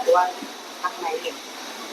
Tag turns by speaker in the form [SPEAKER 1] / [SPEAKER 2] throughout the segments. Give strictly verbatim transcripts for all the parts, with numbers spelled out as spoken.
[SPEAKER 1] หรือว่าทางไหนเอง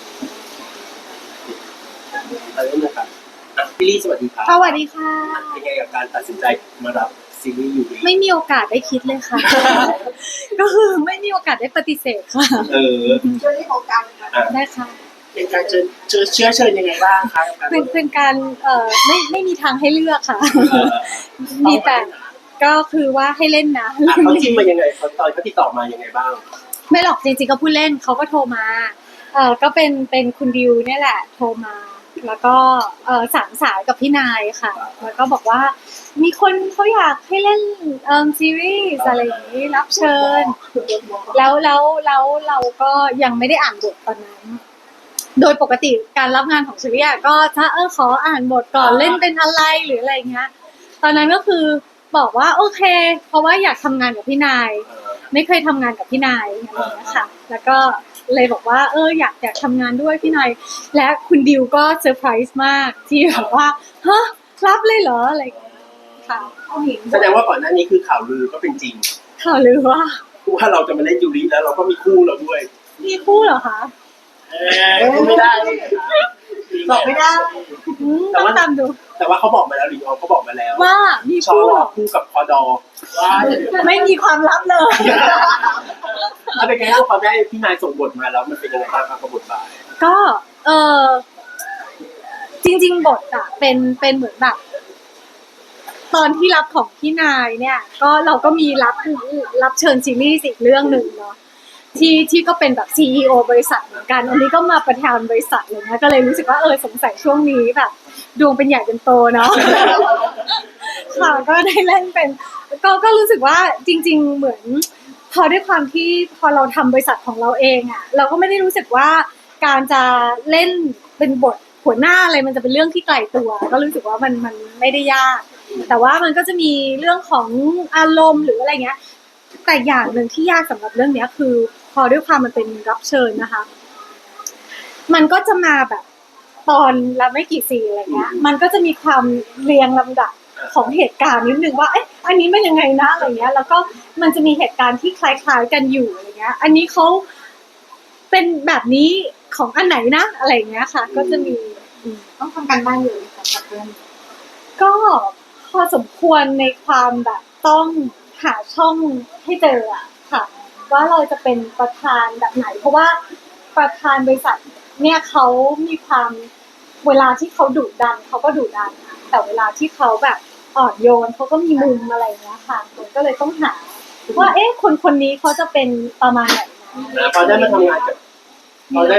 [SPEAKER 2] เริ่มเลยครับอ่ะพี่ลี่สวัสดีครับ
[SPEAKER 3] สวัสดีค่ะ
[SPEAKER 2] เป็นไงกับการตัดสินใจมารับซีรีส์ยูริ
[SPEAKER 3] ไม่มีโอกาสได้คิดเลยค่ะ ก็คือไม่มีโอกาสได้ปฏิเสธค่ะ
[SPEAKER 2] เออ
[SPEAKER 1] เชื่อที่โครงการ
[SPEAKER 3] ได้ค่ะ
[SPEAKER 2] เป็นการเชิญเชิญเชื้อเชิญยังไงบ้างคะ
[SPEAKER 3] เป็นเป็นการเอ่อไม่ไม่มีทางให้เลือกค่ะ มีแต่ก็คือว่าให้เล่นนะ
[SPEAKER 2] เขาจิ้มมายังไงเขาตอนเขาติดต่อมายังไงบ้าง
[SPEAKER 3] ไม่หรอกจริงๆก็พูดเล่นเขาก็โทรมาเออก็เป็นเป็นคุณดิวเนี่ยแหละโทรมาแล้วก็เออสามสายกับพี่นายค่ะแล้วก็บอกว่ามีคนเขาอยากให้เล่นเอ่อซีรีส์อะไรอย่างนี้รับเชิญแล้วแล้วแล้วเราก็ยังไม่ได้อ่านบทตอนนั้นโดยปกติการรับงานของชีวิตก็ถ้าเออขออ่านบทก่อนเล่นเป็นอะไรหรืออะไรเงี้ยตอนนั้นก็คือบอกว่าโอเคเพราะว่าอยากทำงานกับพี่นายไม่เคยทำงานกับพี่นายอะไรอย่างเงี้ยค่ะแล้วก็เลยบอกว่าเอออยากอยากทำงานด้วยพี่นายและคุณดิวก็เซอร์ไพรส์มากที่แบบว่าฮะรับเลยเหรออะไรค่ะ
[SPEAKER 2] แสดงว่าก่อนหน้านี้คือข่าวลือก็เป็นจริง
[SPEAKER 3] ข่าวลือว่า
[SPEAKER 2] ว่าเราจะมาเล่นยูริแล้วเราก็มีคู่เราด้วย
[SPEAKER 3] มีคู่เหรอคะ
[SPEAKER 2] เออไม่ได้
[SPEAKER 1] บอกไม่ได้
[SPEAKER 3] ต้องตามดู
[SPEAKER 2] แต่ว่าเขาบอกมาแล้วหลิงออมเขาบอกมาแล้ว
[SPEAKER 3] ว่ามีคู่หรอ
[SPEAKER 2] คู่กับพอดอว่า
[SPEAKER 3] ไม่มีความลับเลย
[SPEAKER 2] ถ้าเป็นไงบ้างพอได้พี่นายส่งบทมาแล้วมันเป็นยังไงบ้างครับกับบทบาท
[SPEAKER 3] ก็เออจริงๆบทอะเป็นเป็นเหมือนแบบตอนที่รับของพี่นายเนี่ยก็เราก็มีรับรับเชิญซีรีส์อีกเรื่องหนึ่งเนาะที่ที่ก็เป็นแบบ ซี อี โอ บริษัทเหมือนกันอันนี้ก็มาประธานบริษัทเลยนะก็เลยรู้สึกว่าเออสงสัยช่วงนี้แบบดวงเป็นใหญ่เป็นโตเนาะค่ะก็ได้เล่นเป็นก็ก็รู้สึกว่าจริงๆเหมือนพอด้วยความที่พอเราทำบริษัทของเราเองอ่ะเราก็ไม่ได้รู้สึกว่าการจะเล่นเป็นบทหัวหน้าอะไรมันจะเป็นเรื่องที่ไกลตัวก็รู้สึกว่ามันมันไม่ได้ยากแต่ว่ามันก็จะมีเรื่องของอารมณ์หรืออะไรเงี้ยแต่อย่างหนึ่งที่ยากสำหรับเรื่องนี้คือพอด้วยความมันเป็นรับเชิญนะคะมันก็จะมาแบบตอนละไม่กี่ซีอะไรเงี้ยมันก็จะมีความเรียงลำดับของเหตุการณ์นิดนึงว่าเอ๊ะอันนี้มันยังไงนะอะไรเงี้ยแล้วก็มันจะมีเหตุการณ์ที่คล้ายๆกันอยู่อะไรเงี้ยอันนี้เขาเป็นแบบนี้ของอันไหนนะอะไรเงี้ยค่ะก็จะมี
[SPEAKER 1] ต้องทำการบ้านอยู่กับเรื่อง
[SPEAKER 3] ก็พอสมควรในความแบบต้องหาช่องให้เจออะค่ะว่าเราจะเป็นประธานแบบไหนเพราะว่าประธานบริษัทเนี่ยเขามีความเวลาที่เขาดุดันเขาก็ดุดันแต่เวลาที่เขาแบบอ่อนโยนเขาก็มีมุมอะไรเงี้ยค่ะมันก็เลยต้องหาว่าเอ๊ะคนคนนี้เขาจะเป็นประมาณไหน
[SPEAKER 2] นะพอได้มาทำงานกับพอได้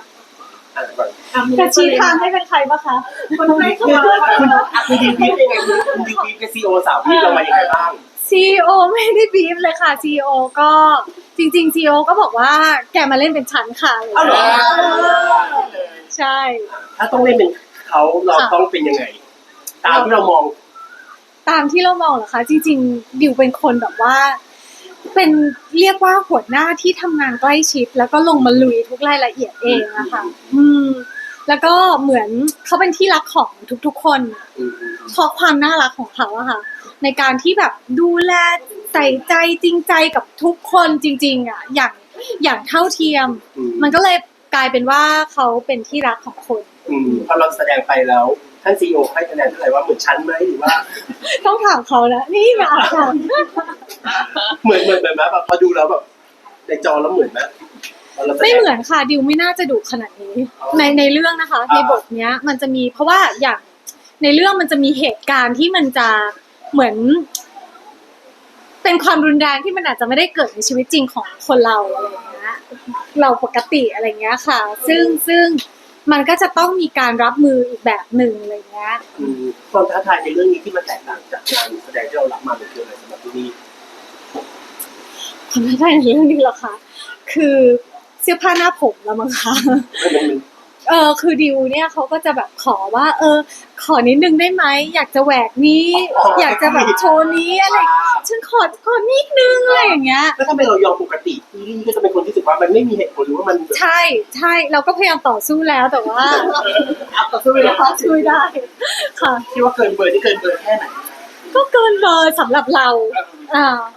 [SPEAKER 3] จะชี้ทางให้เป็นใครบ้างคะ
[SPEAKER 1] คนไม่เข้ามา
[SPEAKER 2] คุณคุณดีพีเป็นไงคุณดีพีกับซีโอสาวพี่เรามาอย่างไรบ้าง
[SPEAKER 3] ซี อี โอ ไม่ได้บีฟเลยค่ะ ซี อี โอ ก็จริงๆ ซี อี โอ ก็บอกว่าแกมาเล่นเป็นฉันค่ะ
[SPEAKER 2] อ้าวเหรอ
[SPEAKER 3] ใช่
[SPEAKER 2] ถ้าต้องเล่นเป็นเขาเราต้องเป็นยังไงตามที่เรามอง
[SPEAKER 3] ตามที่เรามองเหรอคะจริงๆดิวเป็นคนแบบว่าเป็นเรียกว่าหัวหน้าที่ทำงานใกล้ชิดแล้วก็ลงมาลุยทุกรายละเอียดเองอะค่ะอืมแล้วก็เหมือนเขาเป็นที่รักของทุกๆคนเพราะความน่ารักของเขาอะค่ะในการที่แบบดูแลใส่ใจจริงใจกับทุกคนจริงๆอะอย่างอย่างเท่าเทียมมันก็เลยกลายเป็นว่าเขาเป็นที่รักของคน
[SPEAKER 2] อืมพอเราแสดงไปแล้วท่านซีอีโอให้คะแนนเท่าไหร่ว่าเหมือนชั้นไหมหรือว่า
[SPEAKER 3] ต้องถามเขาแล้วนี่มาค่ะ
[SPEAKER 2] เหมือนเหมือนแบบแบบพอดูแล้วแบบในจอแล้วเหมือนไหม
[SPEAKER 3] ไม่เหมือนค่ะดิวไม่น่าจะดุขนาดนี้ในในเรื่องนะคะในบทเนี้ยมันจะมีเพราะว่าอย่างในเรื่องมันจะมีเหตุการณ์ที่มันจะเหมือนเป็นความรุนแรงที่มันอาจจะไม่ได้เกิดในชีวิตจริงของคนเราอะไรอย่างเงี้ยเราปกติอะไรเงี้ยค่ะซึ่งซึ่งมันก็จะต้องมีการรับมืออีกแบบหนึ่งอะไรเงี้ย
[SPEAKER 2] ความท้าทายในเรื่องนี้ที่มันแตกต่างจากงานแสดงที่เรารับมาเป็นคืออะไรสำหรับที่นี่
[SPEAKER 3] ความท้าทายในเรื่องนี้เหรอคะคือเสื้อผ้าหน้าผมแล้วมั้งคะเออคือดิวเนี่ยเขาก็จะแบบขอว่าเออขอนิดนึงได้ไหมอยากจะแหวกนี้อยากจะแบบโชว์นี้อะไรฉันขอขอนิดนึงอะไรอย่างเงี้ย
[SPEAKER 2] แล้วถ้าเป็นเรายอมปกตินี่ก็จะเป็นคนที่รู้สึกว่ามันไม่มีเหตุผลหรือว่ามัน
[SPEAKER 3] ใช่ใช่เราก็พยายามต่อสู้แล้วแต่ว่า
[SPEAKER 2] ต่อสู้ไม่ได้
[SPEAKER 3] ช่วยได้ค่ะ
[SPEAKER 2] คิดว่าเกินเบอร์ที่เกินเบอร์แค่ไหน
[SPEAKER 3] ก็เกินเบอร์สำหรับเราอ่า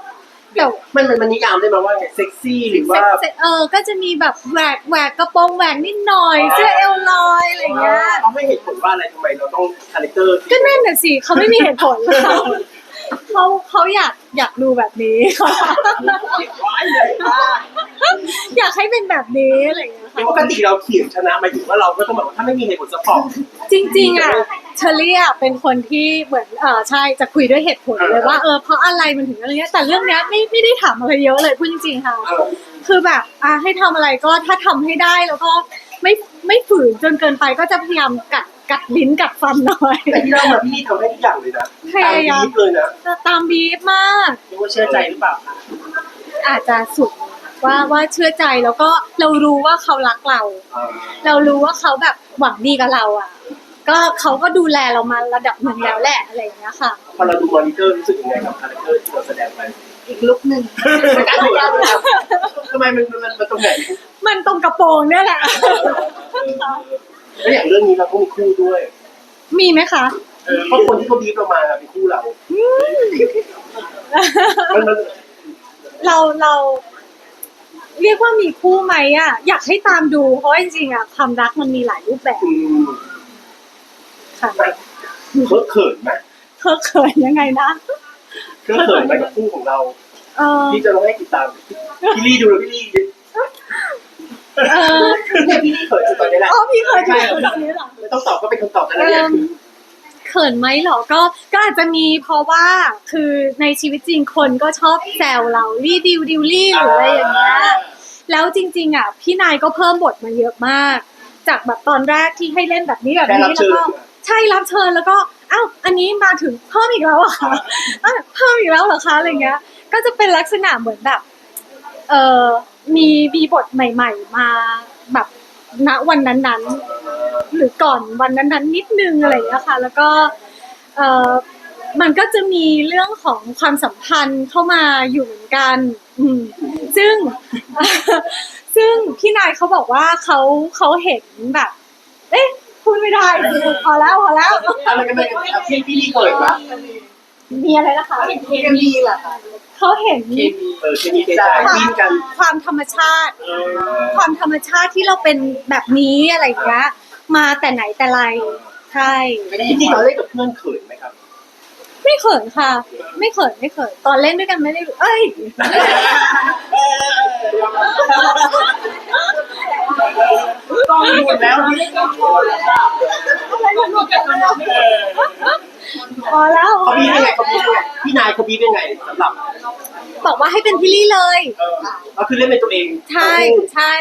[SPEAKER 3] แต่
[SPEAKER 2] มันมันมันนิยามได้ไหมว่าไงเซ็กซี่หรือว่า
[SPEAKER 3] เซ็กเออก็จะมีแบบแหวกแหวกกระโปรงแหวกนิดหน่อยเสื้อเอวลอยอะไรอย่างเงี้ย
[SPEAKER 2] เขาให้เหตุผลว่าอะไรทำไมเราต้องคาแรคเตอร์
[SPEAKER 3] ก็นั่นน่ะสิเขาไม่มีเหตุผลเขาเขาเขาอยากอยากดูแบบนี้
[SPEAKER 2] ไว้เลยค่ะ
[SPEAKER 3] อยากให้เป็นแบบนี้อะไรอย่างเงี้ยค่ะ
[SPEAKER 2] ปกติเราเถียงชนะหมายถึงว่าเราก็ต้องแบบว่าถ้าไม่มีเหตุผลสปอร์ต
[SPEAKER 3] จริงๆอ่ะเชอรี่อ่ะเป็นคนที่เหมือนเออใช่จะคุยด้วยเหตุผลเลยว่าเออเพราะอะไรมันถึงอะไรเงี้ยแต่เรื่องเนี้ยไม่ไม่ได้ถามอะไรเยอะเลยพูดจริงๆค่ะ คือแบบอ่ะให้ทำอะไรก็ถ้าทำให้ได้แล้วก็ไม่ไม่ฝืนจนเกินไปก็จะพยายามกัดกัดลิ้นกัดฟันหน่อย
[SPEAKER 2] แต่ที่เรามาพี่นี่ทำให้ทุกอย่างเลยนะ
[SPEAKER 3] พยายาม
[SPEAKER 2] ตามบีฟเลยนะ
[SPEAKER 3] จะตามบีฟมาก
[SPEAKER 2] เรียกว่าเชื่อใจหรือเปล่าคะ
[SPEAKER 3] อาจจะสุดว่าว่าเชื่อใจแล้วก็เรารู้ว่าเขารักเรา เรารู้ว่าเขาแบบหวังดีกับเราอ่ะ ก็เขาก็ดูแลเรามาระดับหนึ่งแล้วแหละอะไรอย่างเงี้ยค่ะ
[SPEAKER 2] พอเราดูมอนิเตอร์รู้สึกยังไงกับคาแรคเตอร์ที่เราแสดงไป
[SPEAKER 1] อีกลุกหนึ่ง
[SPEAKER 2] ทำไมมันมันมันตรงไหน
[SPEAKER 3] มันตรงกระโปรงเนี่ยแหละ
[SPEAKER 2] แล้วอย่างเรื่องนี้เราก็มีคู่ด้วย
[SPEAKER 3] มีไหมคะ
[SPEAKER 2] เพราะคนที่เขาบีฟเรามาเป็นคู่เรามันมัน
[SPEAKER 3] เราเราเรียกว่ามีคู่ไหมอ่ะ อยากให้ตามดูเพราะว่าจริงๆอ่ะความรักมันมีหลายรูปแบบ
[SPEAKER 2] อืม
[SPEAKER 3] ค่ะ
[SPEAKER 2] เคอะเขินไหม
[SPEAKER 3] เธอเขินยังไงนะ
[SPEAKER 2] เคอะเขินไหมกับคู่ของเรา
[SPEAKER 3] เออ
[SPEAKER 2] ที่จะลองให้ติดตามพี่ลี่ดูแล้วพี่ลี่
[SPEAKER 3] เออ
[SPEAKER 2] เนี่ยพี่ลี่เขินสุดตอนนี้แหละ
[SPEAKER 3] อ๋อพี่เคยดูแบบนี้เหรอ
[SPEAKER 2] ไม่ต้องตอบก็เป็นคำตอบแต่ละอย่างคือ
[SPEAKER 3] เขินไหมเหรอก็ก็อาจจะมีเพราะว่าคือในชีวิตจริงคนก็ชอบแซวเราลี่ดิวดิวลี่หรืออะไรอย่างเงี้ยแล้วจริงๆอ่ะพี่นายก็เพิ่มบทมาเยอะมาก จากแบบตอนแรกที่ให้เล่นแบบนี้แบบ
[SPEAKER 2] แค่รับ
[SPEAKER 3] นี้
[SPEAKER 2] เชิ
[SPEAKER 3] แล้ว
[SPEAKER 2] ญ
[SPEAKER 3] ก็ใช่รับเชิญแล้วก็อ้าวอันนี้มาถึงเพิ่มอีกแล้วเหรอะคะอ้าวเพิ่มอีกแล้วเหรอคะอะไรเงี้ย ก็จะเป็นลักษณะเหมือนแบบเออมีมีบทใหม่ ๆ มาแบบณวันนั้นๆ หรือก่อนวันนั้นๆนิดนึงอะไรอย่างเงี้ยค่ะ แล้วก็เออมันก็จะมีเรื่องของความสัมพันธ์เข้ามาอยู่เหมือนกัน อืมซึ่ง ซึ่งพี่นายเขาบอกว่าเขาเขาเห็นแบบ เอ๊ะพูดไม่ได้พอแล้วพอแล้ว
[SPEAKER 2] อะไรกันเลยพี่พี่ลี่เขินปะ
[SPEAKER 3] มีอะไรนะคะ
[SPEAKER 1] เคมีเหรอคะ
[SPEAKER 3] เขาเห็น
[SPEAKER 2] เคมีเออเคมีใจจิ้นกัน
[SPEAKER 3] ความธรรมชาติ
[SPEAKER 2] เออ
[SPEAKER 3] ความธรรมชาติที่เราเป็นแบบนี้อะไรอย่างเงี้ยมาแต่ไหนแต่ไรใช่
[SPEAKER 2] จริงๆตอนเล่นกับเพื่อนเขินไหมครับ
[SPEAKER 3] ไม่เขินค่ะ ไม่เขินไม่เขินตอนเล่นด้วยกันไม่ได้รู้เอ้ย
[SPEAKER 2] กองหมดแล้วนี่กองหมดแล้ว
[SPEAKER 3] พอแล้ว
[SPEAKER 2] เขาบีบยังไงเขาบีบยังไงพี่นายเขาบีบยังไงสำหรับ
[SPEAKER 3] บอกว่าให้เป็นพี่ลี่เลย
[SPEAKER 2] เออเราคือเล่นเป็นตัวเอง
[SPEAKER 3] ใช่ใช่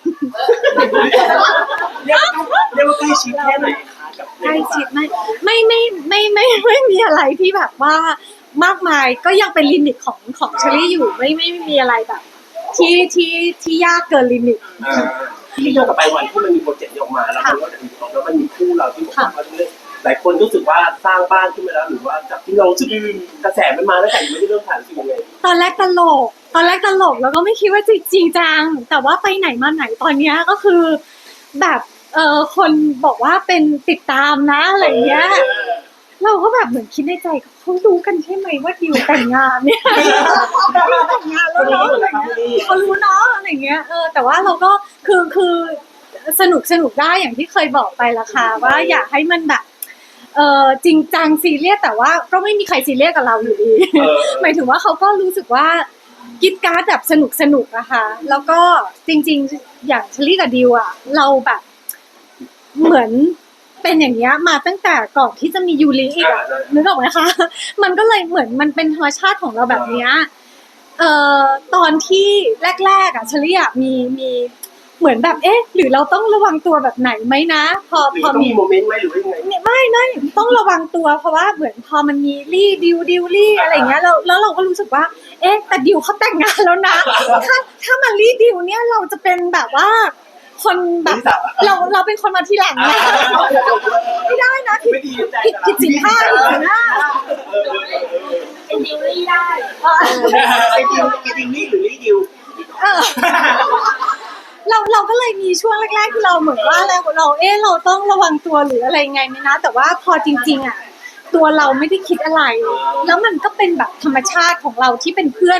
[SPEAKER 2] เรียกเรียกว่าใกล้ชิดแค่ไหนคะกับ
[SPEAKER 3] ใกล้ชิดไม่ไม่ไม่ไม่ไม่ไม่ไม่มีอะไรที่แบบว่ามากมายก็ยังเป็นลิมิตของของเชอรี่อยู่ไม่ไม่ไม่มีอะไรแบบ ที่ที่ที่ยากเกินลิมิต
[SPEAKER 2] ที่ย้อนกลับไปวันที่มันมีโปรเจกต์นี้ออกมาแล้วมันก็จะมีของแล้วมันมีคู่เราที่บอกว่าเรื่องหลายคนรู้สึกว่าสร้างบ้านขึ้นมาแล้วหรือว่าจากที่เรารู้สึกกระแสมันมาแล้วแต่ยังไม่ได้เริ่มถ่ายรู้สึกยังไง
[SPEAKER 3] ตอนแรกตลก ตอนแรกตลกแล้วก็ไม่คิดว่าจริงจริงจัง แต่ว่าไปไหนมาไหนตอนเนี้ยก็คือ แบบเออคนบอกว่าเป็นติดตามนะอะไรเงี้ย เราก็แบบเหมือนคิดในใจเขารู้กันใช่ไหมว่าดิวแต่งงานเนี่ยแต่งงานแล้วเนาะเขารู้เนาะอะไรเงี้ยเออแต่ว่าเราก็คือคือสนุกสนุกได้อย่างที่เคยบอกไปละค่ะว่าอยากให้มันแบบเออจริงจังซีเรียสแต่ว่าก็ไม่มีใครซีเรียสกับเราอยู่ดี หมายถึงว่าเขาก็รู้สึกว่ากิจการแบบสนุกสนุกนะคะ แล้วก็จริงๆอย่างเชลี่กับดิวอะเราแบบเหมือนเป็นอย่างเงี้ยมาตั้งแต่ก่อนที่จะมียูริอีกอะนึกออกไหมคะ มันก็เลยเหมือนมันเป็นธรรมชาติของเราแบบเนี้ยเอ่อตอนที่แรกๆอะเชลี่อะมีมีเหมือนแบบเอ๊ะหรือเราต้องระวังตัวแบบไหนไหมนะ พอ
[SPEAKER 2] หรือ
[SPEAKER 3] พอ
[SPEAKER 2] ต้อง
[SPEAKER 3] มี
[SPEAKER 2] มีโมเมนต์ไหมหรือว่ายังไง
[SPEAKER 3] เนี่ยไม่ไม่ต้องระวังตัวเพราะว่าเหมือนพอมันมีรี่ดิวดิวรี่อะไรเงี้ยแล้วแล้วเราก็รู้สึกว่า เอ๊ะแต่ดิวเขาแต่งงานแล้วนะ ถ้าถ้ามารี่ดิวเนี่ยเราจะเป็นแบบว่า คนแบบเราเราเป็นคนมาทีหลังนะไม่ได้นะผิด
[SPEAKER 2] ไม่ดีใจ
[SPEAKER 3] ผิดผิดสินค้าอีกนะ
[SPEAKER 1] เป็นดิวลี่ได้
[SPEAKER 2] ไอ้ดิวไอ้ดิวนี่หรือไอ้ดิว
[SPEAKER 3] เออเราเราก็เลยมีช่วงแรกๆที่เราเหมือนว่าเราเราเอ๊ะเราต้องระวังตัวหรืออะไรไงไหมนะ แต่ว่าพอจริง ๆอ่ะตัวเราไม่ได้คิดอะไร แล้วมันก็เป็นแบบธรรมชาติของเราที่เป็นเพื่อน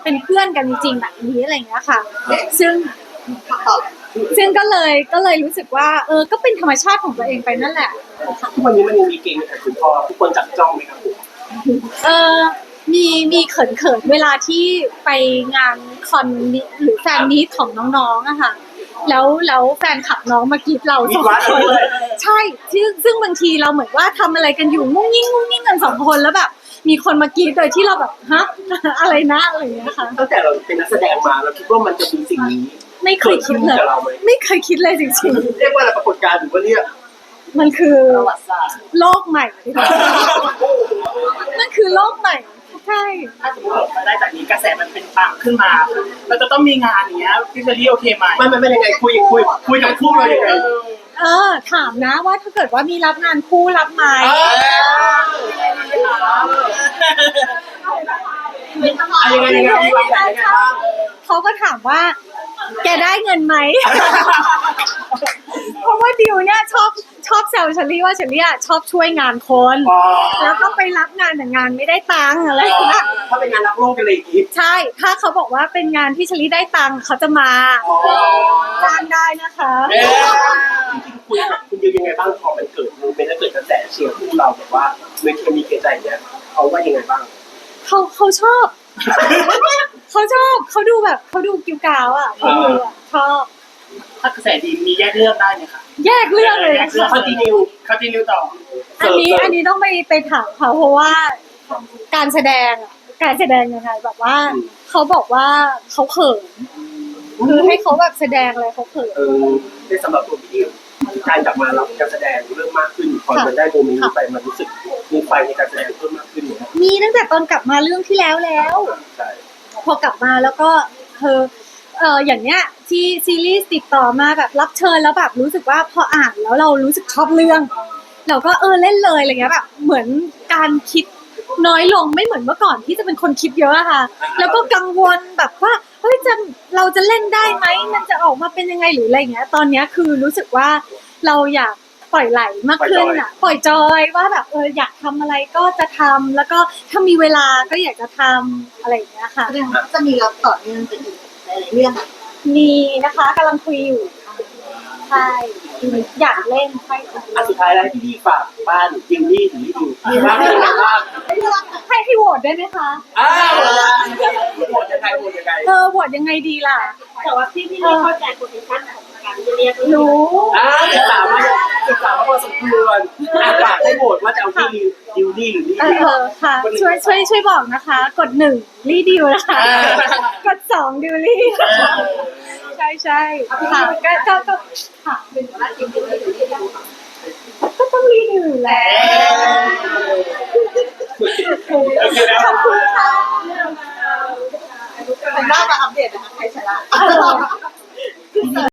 [SPEAKER 3] เป็นเพื่อนกันจริงๆแบบนี้อะไรอย่างเงี้ยค่ะ ซึ่ง
[SPEAKER 1] ตอบ
[SPEAKER 3] ซึ่งก็เลยก็เลยรู้สึกว่าเออก็เป็นธรรมชาติของตัวเองไปนั่นแหละค่ะ
[SPEAKER 2] ทุกวันนี้มันยังมีเกณฑ์แต่คุณพ่อทุกคนจับจ้องไหมครับผม
[SPEAKER 3] เออมีมีเขินเขินๆเวลาที่ไปงานคอนมิหรือแฟนมีตของน้องๆอะค่ะแล้วแล้วแฟนขับน้องมากรีดเราสองคนใช่ซึ่งซึ่งบางทีเราเหมือนว่าทำอะไรกันอยู่งุ้งยิ่งงุ้งยิ่งกันสองคนแล้วแบบมีคนมากรีดโดยที่เราแบบฮะ อะไรนะอะไรอย่างเงี้ยค่ะ
[SPEAKER 2] ตั้งแต่เราเป็นนักแสดงมาเราคิดว่ามันจะมีสิ่งนี้
[SPEAKER 3] ไม่เคยคิดเลย
[SPEAKER 2] เกิดขึ้นกับเราไหม
[SPEAKER 3] ไม่เคยคิดเลยจริง
[SPEAKER 2] เรียกว่าอะไรปรากฏการณ์หรือว่าเรียก
[SPEAKER 3] ๆมันคือ
[SPEAKER 1] ประวัติศาสตร์
[SPEAKER 3] โลกใหม่ดีกว่ามันคือโลกใหม่ใช่
[SPEAKER 4] ถ้าสมมติเราได้จากนี้กระแสมันเป็นปังขึ้นมา เราจะต้องมีงานอย่างเงี้ยพี่เชอรี่โอเคไหม
[SPEAKER 2] ไม่ไม่ไม่ยังไงคุยคุยคุยกับคู่เรายังไง
[SPEAKER 3] เออถามนะว่าถ้าเกิดว่ามีรับงานคู่รับไหม
[SPEAKER 2] อะไรยังไงยังไงมีวางแผนยังไงบ้าง
[SPEAKER 3] เขาก็ถามว่า แกได้เงินไหม เพราะว่าดิวเนี่ยชอบชอบแซวเชอรี่ว่าเชอรี่อะชอบช่วยงานคน แล้วก็ไปรับงานแต่งานไม่ได้ตังค์อะไรอย่างเงี้ย
[SPEAKER 2] ถ้าเป็นงานรักโลกกันเลยอีก
[SPEAKER 3] ใช่ ถ้าเขาบอกว่าเป็นงานที่เชอรี่ได้ตังค์เขาจะมาจ้างได้นะคะ
[SPEAKER 2] จริงๆคุยกับคุณดิวยังไงบ้างพอมันเกิดโมเมนต์แล้วเกิดกระแสเชียร์คู่เราแบบว่าเมื่อเคมีเกใจเนี่ยเขาว่ายังไงบ้าง
[SPEAKER 3] เขาเขาชอบ เขาชอบเขาดูแบบเขาดูกิ้วกาวอ่ะเขาดูอ่ะชอบ
[SPEAKER 4] ถ้ากระแสดีมีแยกเรื่องได้ไหมคะ
[SPEAKER 3] แยกเรื่องเลยนะ
[SPEAKER 4] คอนติเนียคอนติเนียต่อ
[SPEAKER 3] อันนี้อันนี้ต้องไปไปถามเขาเพราะว่าการแสดงอะการแสดงยังไงแบบว่าเขาบอกว่าเขาเขินคือให้เขาแบบแสดงอะไรเขาเขิน
[SPEAKER 2] เออในสำหรับตัวพี่ดิวการกลับมารับการแสดงเริ่มมากขึ้นพอมันได้โมเมนต์นี้ไปมันรู้สึกมีไฟในการแสดงเพิ่มมากขึ้นเนี่ย
[SPEAKER 3] มีตั้งแต่ตอนกลับมาเรื่องที่แล้วแล้ว
[SPEAKER 2] ใช่
[SPEAKER 3] พอกลับมาแล้วก็เธอเอออย่างเนี้ยที่ซีรีส์ติดต่อมาแบบรับเชิญแล้วแบบรู้สึกว่าพออ่านแล้วเรารู้สึกชอบเรื่อง เราก็เออเล่นเลยอะไรเงี้ยแบบเหมือนการคิดน้อยลงไม่เหมือนเมื่อก่อนที่จะเป็นคนคิดเยอะอะค่ะ แล้วก็กังวลแบบว่าเฮ้ยจะเราจะเล่นได้ไหมมันจะออกมาเป็นยังไงหรืออะไรเงี้ย ตอนเนี้ยคือรู้สึกว่าเราอยากปล่อยไหลมากขึ้นอะปล่อยจอยว่าแบบเอออยากทำอะไรก็จะทำแล้วก็ถ้ามีเวลาก็อยากจะทำอะไรอย่างเงี้ยค่ะ
[SPEAKER 1] แสดงว่าจะมีรับต่อเนื่องไปอีกหลายๆเรื่องอะ
[SPEAKER 3] มีนะคะกำลังคุยอยู่ใช่อยากเล่นใช่ค่ะ
[SPEAKER 2] อันสุดท้ายแล้วให้พี่ดิวฝากบ้านดิวนี่ถึงที่ดิวมีบ้านเป็นอะไรบ้าง
[SPEAKER 3] ให้ให้โหวตได้ไหมคะ
[SPEAKER 2] อ้าวโหวตยังไงโหวตยังไง
[SPEAKER 3] เออโหวตยังไงดีล่ะ
[SPEAKER 1] แต่ว่าพี่พี่ไม่เข้าใจโพซิชั่นของการจะเรียก
[SPEAKER 3] รู้
[SPEAKER 2] อ่าศึกษามาศึกษามาพอสมควรอ่ะฝากให้โหวตว่าจะเอาที่ดิวนี่หรือนี่
[SPEAKER 3] เออเออค่ะ ช่วยช่วยช่วยบอกนะคะ กดหนึ่งรีดิวนะคะ กดสองดิวลี่ใช่ใช่ค่ะก็ก็ก็ค่ะ
[SPEAKER 1] เป็นว่าจริงๆเลยที่เรา
[SPEAKER 3] ก็ต้องรีดิวอยู่แล้ว
[SPEAKER 2] โอเคแล้ว
[SPEAKER 3] ขอบคุณค่ะ
[SPEAKER 1] เป็นหน้ามาอัปเดตนะคะใครชนะ
[SPEAKER 3] เออ